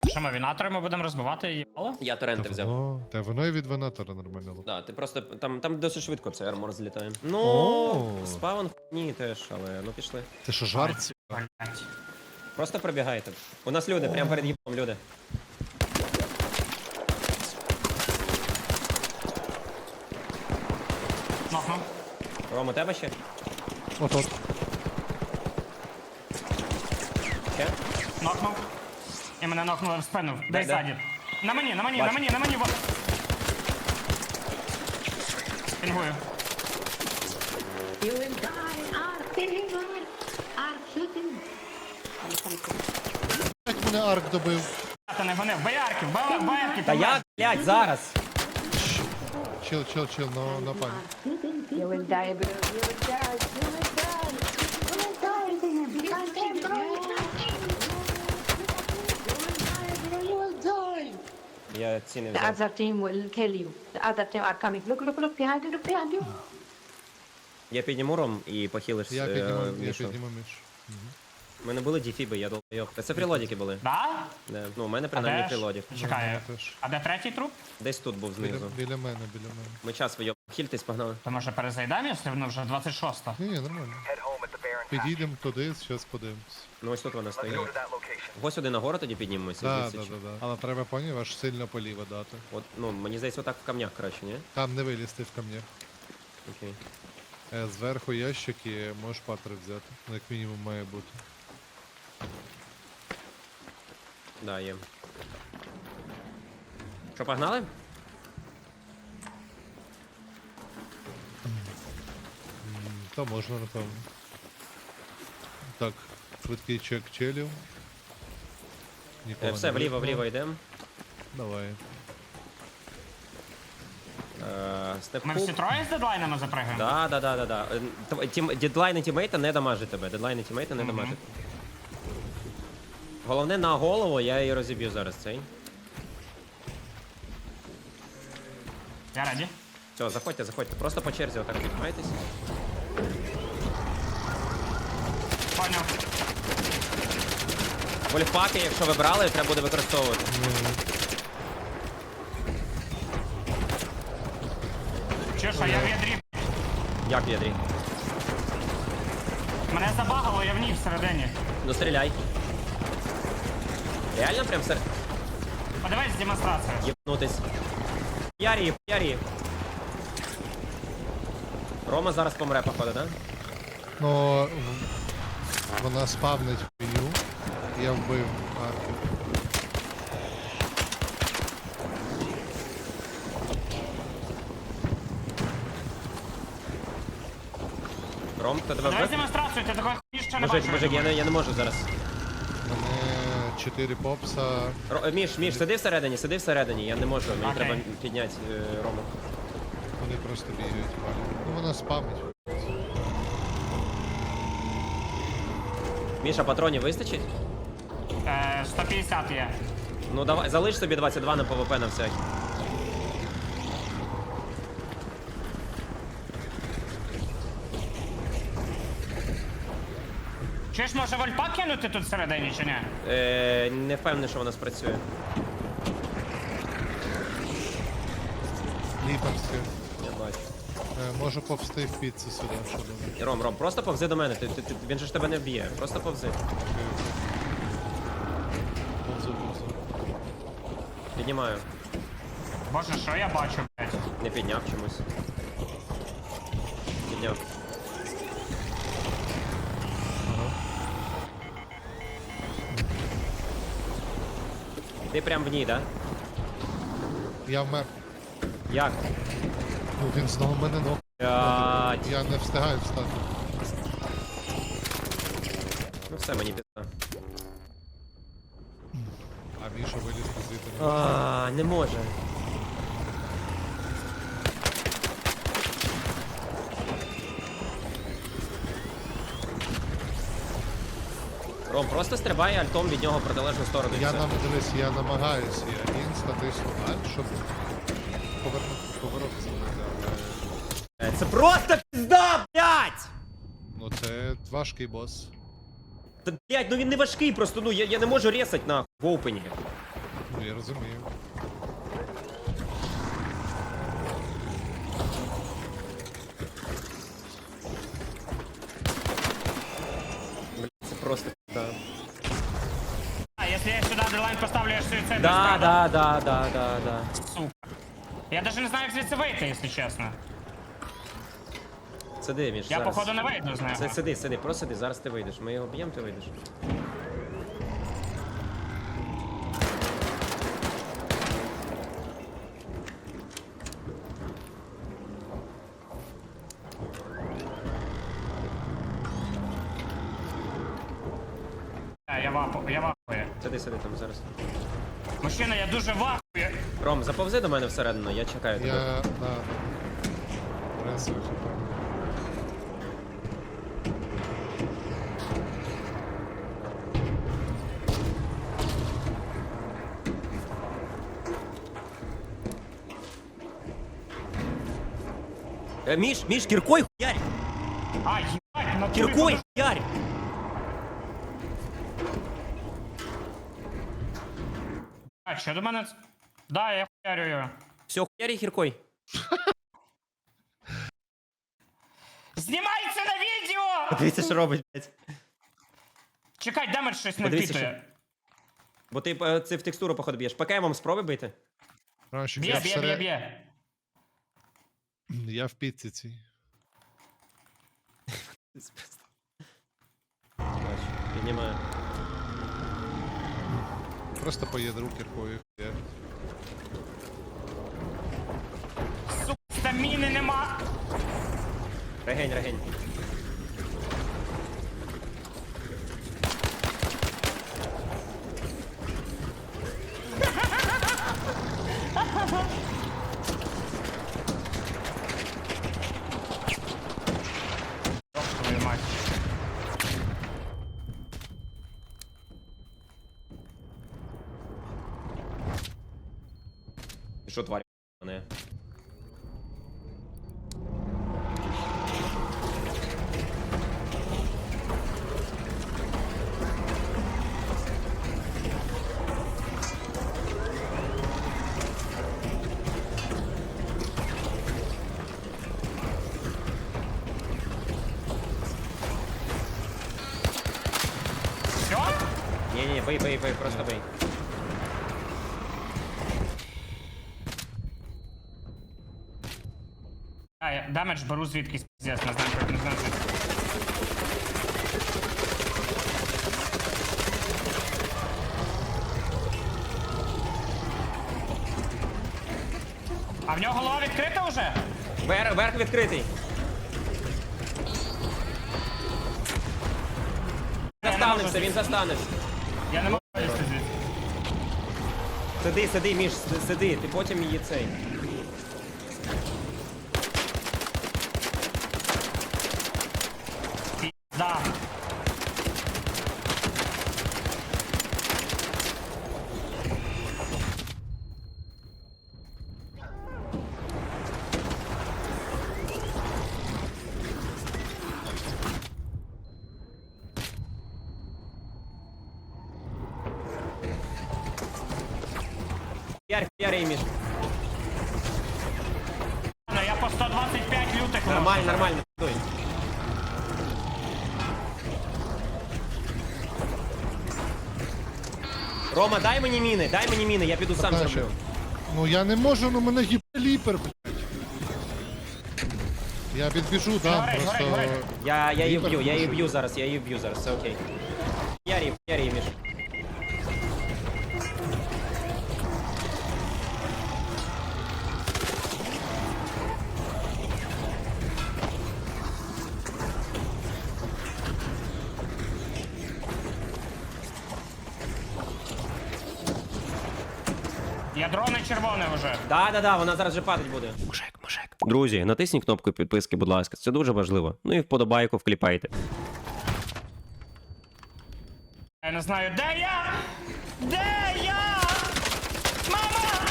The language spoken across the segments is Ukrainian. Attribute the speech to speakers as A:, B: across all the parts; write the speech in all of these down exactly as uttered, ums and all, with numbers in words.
A: що ми вінатори ми будемо розбивати їбало?
B: Я торренти взяв.
C: Воно, та воно і від венатора нормально.
B: Да, ти просто там, там досить швидко цей армор злітає. Ну,
C: О.
B: спавн ні теж, але ну пішли.
C: Це що, жарт?
A: Блять.
B: Просто пробігайте. У нас люди, прямо перед їбом люди.
A: Нокнув.
B: Ром, у тебе ще?
C: От-от.
B: Ще?
A: Нокнув. І мене нокнули в спину. Дай
B: де?
A: саді. На мені, на мені, на
B: Бачу.
A: мені, на мені, вот. Пінгую.
D: You will die, Ark, deliver, Ark shooting.
C: Як мене арк добив.
A: Та не гонив. Боярки, боярки, боярки.
B: Та як, блядь, зараз?
C: Чил, чил, чил, но на пані.
D: You will die, bro. You will die. You will die. You will die. You can't take, bro. You will die, bro. You will die.
B: Я ці не
D: The
B: взяв.
D: other team will kill you. The other team are coming. Look, look, look behind you. Look behind you.
B: Я підніму Ром і похилиш.
C: Я
B: е,
C: підніму, я
B: Мішу.
C: підніму між.
B: У мене були діфіби, я долбойоб. Та це прилодіки були.
A: Да?
B: Не, ну, у мене
A: А
B: принаймні
A: де ж?
B: прилодік.
A: Чекай.
C: Ну, теж.
A: А де третій труп?
B: Десь тут був
C: Біля,
B: знизу.
C: біля мене, біля мене.
B: Ми час вийоб. Хільтись, погнали.
A: То може перезайдемо, якщо воно вже двадцять шоста?
C: Ні, ні, нормально. Підійдемо туди, зараз подивимось.
B: Ну ось тут вона стоїть. Ось сюди нагору тоді піднімемося.
C: Так,
B: звідси,
C: так,
B: чи-
C: так, так. Але треба поняв, аж сильно поліво дати.
B: От, ну, мені здається, отак в камнях краще, ні?
C: Там не вилізти в камнях.
B: Окей.
C: Е, Зверху ящики, можеш патри взяти. Ну, як мінімум має бути.
B: Да, є. Що, погнали?
C: М, Та можна, напевно. Так, швидкий чек челів. Нікого
B: Е, все,
C: не
B: вліво,
C: видно.
B: вліво йдемо.
C: Давай.
B: Е,
A: Ми
B: Степку.
A: всі троє з дедлайнами запрыгаємо?
B: Да, да, да, да, да. Е, тв- Тім, дедлайни тімейта не дамажить тебе. Дедлайни тімейта не
A: Мгм.
B: дамажить. Головне на голову, я її розіб'ю зараз цей.
A: Я раді.
B: Все, заходьте, заходьте. Просто по черзі отак піднімайтесь.
A: Поняв.
B: Вольфпаки, якщо ви брали, треба буде використовувати.
A: Чи що, я в ядрі.
B: Як в ядрі?
A: Мене забагало, я в ній всередині.
B: Ну стріляй. Реально прям сер...
A: Подивись демонстрацію.
B: Єбнутись. Ярі, ярі. Рома зараз помре, походу, да?
C: Ну, в- вона спавнить хуйню. Я вбив арки.
B: Ром, хто тебе
A: Подивись
B: вбив?
A: демонстрацію, ти такої хуйні ще не
B: Мужик,
A: бачив.
B: мужик, я не, я не можу зараз.
C: Мене чотири попса.
B: Ро, е, Міш, Міш, сиди всередині, сиди всередині, я не можу, мені
A: Окей.
B: треба підняти е, Рому.
C: Вони просто бігають. валять. Ну вона спамить.
B: Міша, патронів вистачить?
A: Е, сто п'ятдесят є.
B: Ну давай, залиш собі двадцять два на ПВП на всякий.
A: Чи ж може вольпа кинути тут всередині, чи ні?
B: Е, не впевнений, що вона спрацює.
C: Ліперське.
B: Я бачу.
C: Е, можу повсти в піцу сюди, що думаєш.
B: Ром, Ром, просто повзи до мене, ти, ти, ти, він же ж тебе не вб'є, просто повзи.
C: Повзу, повзу.
B: Піднімаю.
A: Боже, що я бачу, блядь?
B: Не підняв чомусь. Підняв. Ти прям в ній, да?
C: Я вмер.
B: Як?
C: Ну він знову мене ног.
B: Блядь.
C: Я не встигаю встати.
B: Ну все, мені пізна.
C: А Міша виліз звідти.
B: А, не може. Ром, просто стрибай альтом від нього в протилежну сторону. і
C: Я
B: все.
C: нам дивись, я намагаюся, я інста тисну альт, щоб повернути поворот зробити, але
B: Е, Це просто пізда, блядь!
C: ну це важкий бос.
B: Та, блядь, ну він не важкий просто, ну я, я не можу ресать нахуй в опені.
C: Ну, я розумію.
B: Це просто. Да,
A: А, если я сюда дрелайн поставлю, я суицид.
B: да, да, да, да, да, да.
A: Сука. Я даже не знаю, як звідси вийти, якщо чесно.
B: Сиди, Міш,
A: Я,
B: зараз.
A: походу, не вийду з нього.
B: Си- Сиди, сиди, просто сиди, зараз ти вийдеш. Ми його б'ємо, ти вийдеш.
A: А, я вапу, я вахую.
B: Сиди, сиди там зараз.
A: Мужчина, я дуже вахую.
B: Ром, заповзи до мене всередину, я чекаю тебе.
C: Я... Да. Ресую.
B: Е, Міш, Міш, кіркой хуярь!
A: А, їбать, на
B: Кіркой хуярь!
A: А, що до мене? Да, я хуярю його.
B: Все, хуярь кіркой.
A: Знімається на відео!
B: Дивіться, що робить, блядь.
A: Чекай, демедж щось не
B: Подивіться,
A: впитує.
B: Бо ти е, це в текстуру, походу, б'єш. ПКМом спробуй бити.
C: Ранчик,
A: Б'є,
C: я,
A: б'є, б'є,
C: всеред...
A: б'є.
C: я в піці цій.
B: Бачу, піднімаю.
C: Просто по ядру кіркою. Я...
A: Сука, стаміни нема.
B: Регень, регень.
A: Твою мать.
B: Ти що, тварь? Не.
A: Все?
B: Ні-ні, бий, бий, бий, просто бий.
A: А, я демедж беру звідкись, пиздец, не знаю, як не знаю. звідки. А в нього голова відкрита вже?
B: Вер, верх відкритий.
A: Я не
B: Застанешся,
A: можу
B: він застанешся.
A: Я не можу вилізти звідси.
B: Сиди, сиди, Міш, с- сиди, ти потім її цей.
A: Да.
B: Ярь, ярь, її, Міш.
A: Ну, я по сто двадцять п'ять лютих
B: Нормально,
A: вношу.
B: нормально, дуй. Рома, дай мені міни, дай мені міни, я піду сам
C: Та,
B: зроблю.
C: Ну я не можу, ну мене гіперліпер, блядь. Я відбіжу, да,
A: Горить,
C: просто...
A: горить, горить.
B: Я, я її
C: Віпер
B: вб'ю, я її
C: дуже.
B: вб'ю зараз, я її вб'ю зараз, все окей. Ярі, ярі, Міш.
A: Ядро не червоне вже.
B: Да, да, да, вона зараз же падать буде. Мужик, мужик. Друзі, натисніть кнопку підписки, будь ласка, це дуже важливо. Ну і вподобайку вкліпайте.
A: Я не знаю, де я? Де я? Мама!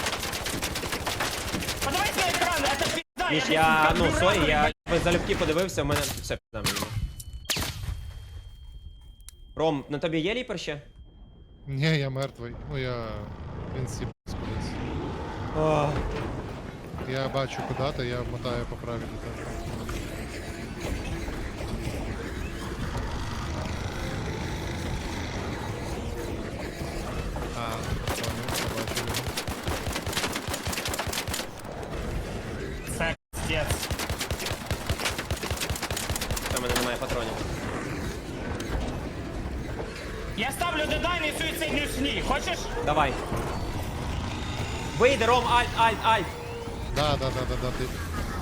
A: Подивись на екран, це пізда.
B: Міш,
A: десь
B: я, ну,
A: конфігурую,
B: сорі, я
A: блядь.
B: залюбки подивився, у мене все пізда мені. Ром, на тобі є ліпер ще?
C: Ні, я мертвий. Ну я... Він сіб кудись.
B: О,
C: Я бачу куди ти, я мотаю по правій до тебе. А, понял, побачив його.
A: Це кстець.
B: у мене немає патронів.
A: Я ставлю дедайн і суїцидні сні. Хочеш?
B: Давай. Вийди, Ром, альт, альт, альт.
C: Да, да, да, да, да, ти.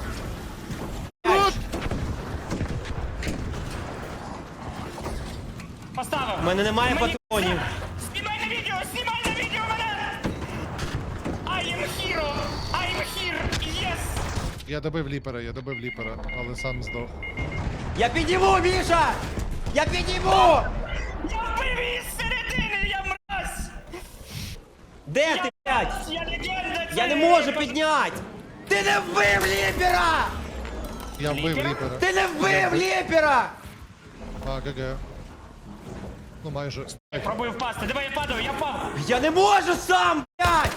A: Поставив.
B: У мене немає
A: Мені-
B: патронів.
A: Знімай на відео, знімай на відео мене! I am hero! I am here! Yes!
C: Я добив ліпера, я добив ліпера, але сам здох.
B: Я підніму, Міша! Я підніму!
A: Я вбив її з середини, я мразь!
B: Де
A: Я
B: ти, блядь?
A: мразь, я легенда!
B: Я не
A: цієї
B: можу
A: кон-
B: підняти! Ти не вбив ліпера!
C: Я вбив
A: Ліпера?
C: ліпера.
B: Ти не вбив ліпера!
C: А, ГГ. Ну майже. Ай,
A: Пробую впасти, давай я падаю, я впав!
B: Я не можу сам, блядь!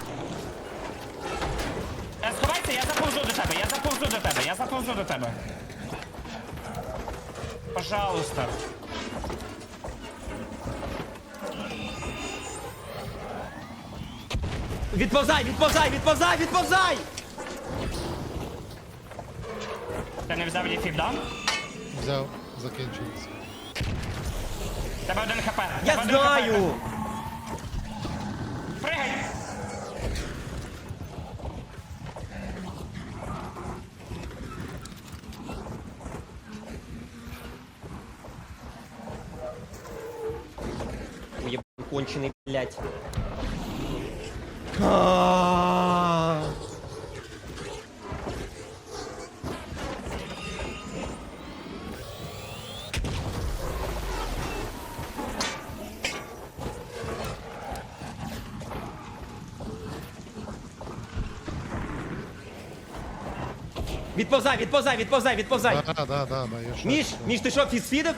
A: Е, Сховайся, я заповзу до тебе, я заповзу до тебе, я заповзу до тебе. Пожалуйста.
B: Відповзай, відповзай, відповзай, відповзай!
A: Ти не взяв ліфів, да?
C: взяв, закінчилось.
A: Тебе один хп.
B: Я
A: тебе один
B: знаю!
A: хп. Пригай!
B: Уебан конченый, блядь. А-а-а. Відповзай, відповзай, відповзай, відповзай.
C: Да, да, да, да, я ще.
B: Міш, Міш, ти що, фізфідив?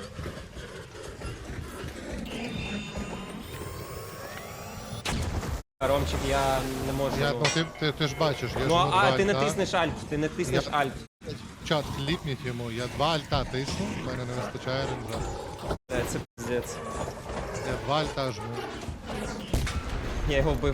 B: Ромчик, я не можу.
C: Я, ну ти, ти, ти ж бачиш, я
B: Ну,
C: жму
B: а
C: два
B: ти
C: альта.
B: натиснеш альт, ти натиснеш
C: Я-
B: альт.
C: Чат, кліпніть йому, я два альта тисну, в мене не вистачає ренджа.
B: Е, Це пиздець.
C: Я два альта жму.
B: Я його вбив.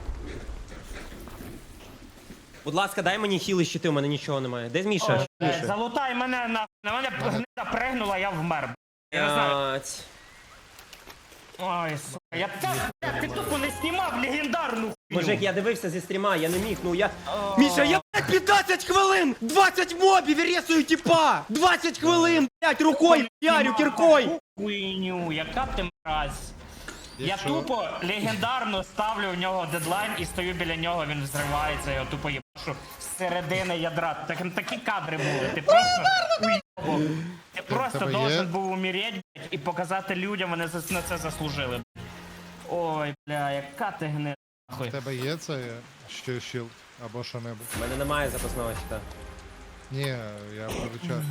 B: Будь ласка, дай мені хіли щити, у мене нічого немає. Де Міша? Що
A: Е,
B: Міша?
A: Залутай мене на... На мене гнида пригнула, я вмер. Я не знаю.
B: Блядь.
A: Ой, сука, я так, ти тупо не знімав легендарну хуйню.
B: Мужик, я дивився зі стріма, я не міг, ну я... Міша, я, блядь, п'ятнадцять хвилин! двадцять мобів і рисую тіпа! двадцять хвилин, блядь, рукою ярю кіркою!
A: Хуйню, яка ти мразь. Я
C: Якщо-
A: тупо легендарно ставлю в нього дедлайн і стою біля нього, він взривається, я його тупо їбашу з середини ядра. Так, такі кадри були, ти просто уйобок. Ти просто
C: тебе є?
A: должен був умереть, блядь, і показати людям, вони за- на це заслужили. блядь. Ой, бля, яка ти гнида.
C: У
A: нахуй.
C: тебе є це ще щілд або що-небудь?
B: У мене немає запасного щита.
C: Ні, я про чат.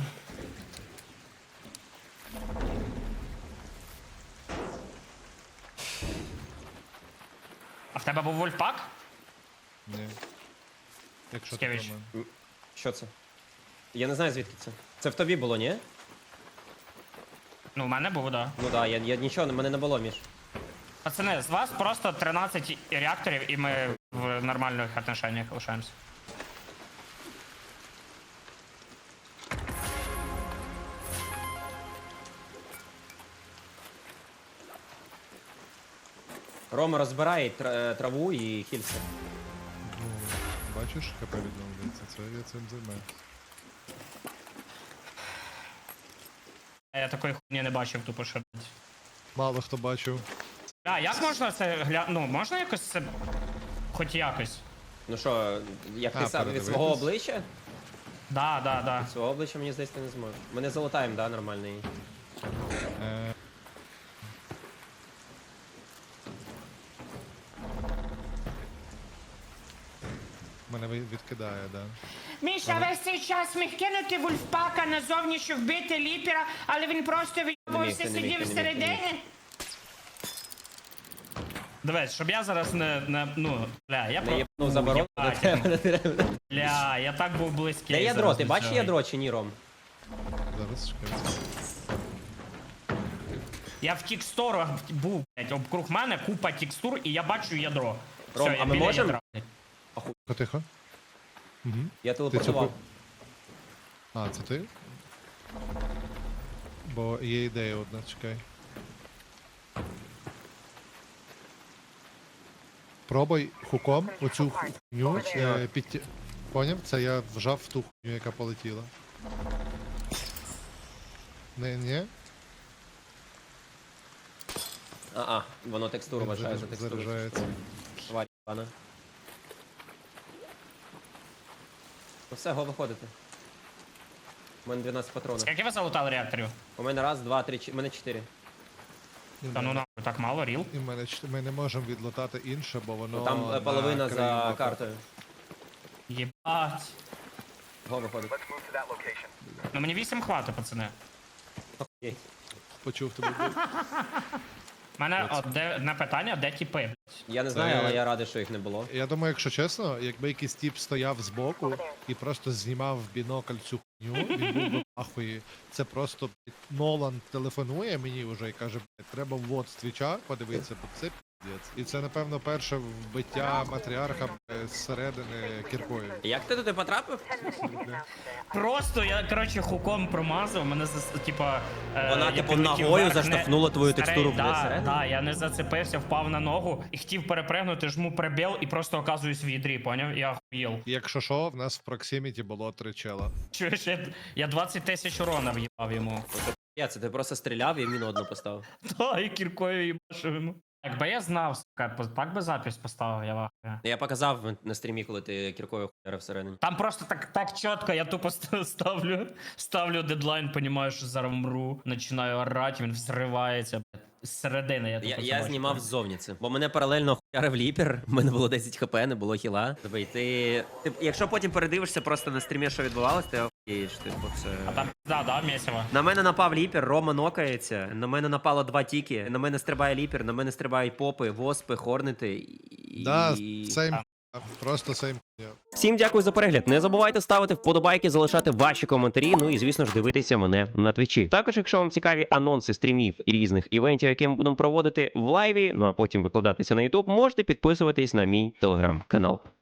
A: А в тебе був вольфпак?
C: Ні. Якщо ти
A: Скевич.
C: про мене.
B: Що це? Я не знаю звідки це. Це в тобі було, ні?
A: Ну, в мене був, да.
B: Ну да, я, я нічого, в мене не було, Міш.
A: Пацани, з вас просто тринадцять реакторів, і ми в нормальних отношеннях лишаємося.
B: Рома розбирає тр- траву і хільце.
C: Ну, бачиш, ХП відновлюється, це я цим займаюся.
A: Я такої хуйні не бачив, тупо що. блядь.
C: Мало хто бачив.
A: А, як можна це гля... Ну, можна якось це. Хоч якось.
B: Ну що, як ти
C: А,
B: сам від
C: передивитись?
B: свого обличчя?
A: Да, да, да.
B: Свого обличчя, мені здається, ти не зможеш. Ми не залутаємо, да, нормальний.
C: Е, Мене ви- відкидає, да.
A: Міша весь цей час міг кинути вульфпака назовні, щоб вбити ліпера, але він просто
B: Не міг,
A: вийобувався,
B: не міг,
A: сидів
B: не міг, не
A: всередині. Дивись, щоб я зараз не, не ну, бля, я
B: Не
A: про...
B: єбнув заборон до
A: Єбать,
B: тебе не треба.
A: Бля, я так був близький.
B: Де ядро?
A: зараз
B: Ти
A: до
B: бачиш
A: цього.
B: ядро чи ні, Ром?
C: Зараз чекай.
A: Я в текстурах був, блядь, обкруг мене купа текстур, і я бачу ядро.
B: Ром,
A: Все, я
B: а ми
A: біля
B: можем?
A: ядра, блядь.
C: Тихо, тихо. Угу.
B: Я
C: Ти
B: телепортував.
C: цю... А, це ти? Бо є ідея одна, чекай. Пробуй хуком оцю хуйню е, підтя... Поняв? Це я вжав в ту хуйню, яка полетіла. Не, ні?
B: А-а, воно текстуру вважає за текстуру.
C: Заряджається.
B: Тварь пана. Ну все, го виходити. У мене дванадцять патронів.
A: Скільки ви залутали реакторів?
B: У мене раз, два, три, чотири. У мене чотири.
C: І в
A: Та ну
C: мене-
A: нахуй, так мало, ріл.
C: І в мене ч- ми не можемо відлутати інше, бо воно.
B: Ну, там е,
C: на
B: половина за
C: країні.
B: картою.
A: Єбать.
B: Го виходить.
A: Ну мені вісім хватить, пацани.
B: Окей.
C: Почув тебе.
A: У мене одне одне питання, де тіпи, блядь?
B: Я не знаю,
C: Це-
B: але я радий, що їх не було.
C: Я думаю, якщо чесно, якби якийсь тіп стояв збоку і просто знімав в бінокль цю хуйню, він був би ахуї. Це просто блядь, Нолан телефонує мені вже і каже, блядь, треба ввод з твіча подивитися, бо це піздець. І це, напевно, перше вбиття матріарха блядь, зсередини кіркою.
B: Як ти туди потрапив?
A: Просто я, коротше, хуком промазав, мене зас... типа... е,
B: Вона,
A: я
B: типу,
A: підлетів
B: ногою
A: вверх, не-
B: заштовхнула твою
A: Старий,
B: текстуру, блядь,
A: да,
B: всередину?
A: да, я не зацепився, впав на ногу і хотів перепригнути, жму прибіл і просто оказуюсь в ядрі, поняв? Я охуєл.
C: І якщо що, в нас в проксиміті було три чела.
A: Чуєш, я, я двадцять тисяч урона в'їбав йому.
B: Я це ти просто стріляв і міну одну поставив.
A: Та, і кіркою їбашив йому. Якби я знав, сука, так би запись поставив, я вахую.
B: Я показав на стрімі, коли ти кіркою хуярив всередині.
A: Там просто так, так чітко, я тупо ст- ставлю, ставлю дедлайн, понімаю, що зараз мру, починаю орати, він взривається, блядь. З середини я
B: Я,
A: тупо
B: я
A: це
B: знімав
A: бачу.
B: ззовні це, бо мене паралельно хуярив ліпер, в мене було десять хп, не було хіла. Тобі, ти, ти, якщо потім передивишся просто на стрімі, що відбувалося, ти охуєш, типу, це...
A: А там, да, да, місиво.
B: На мене напав ліпер, Рома нокається, на мене напало два тіки, на мене стрибає ліпер, на мене стрибають попи, воспи, хорнити і...
C: Да, сейм, просто сейм.
B: Всім дякую за перегляд. Не забувайте ставити вподобайки, залишати ваші коментарі. Ну і звісно ж дивитися мене на твічі. Також, якщо вам цікаві анонси стрімів і різних івентів, які ми будемо проводити в лайві, ну а потім викладатися на ютуб, можете підписуватись на мій телеграм-канал.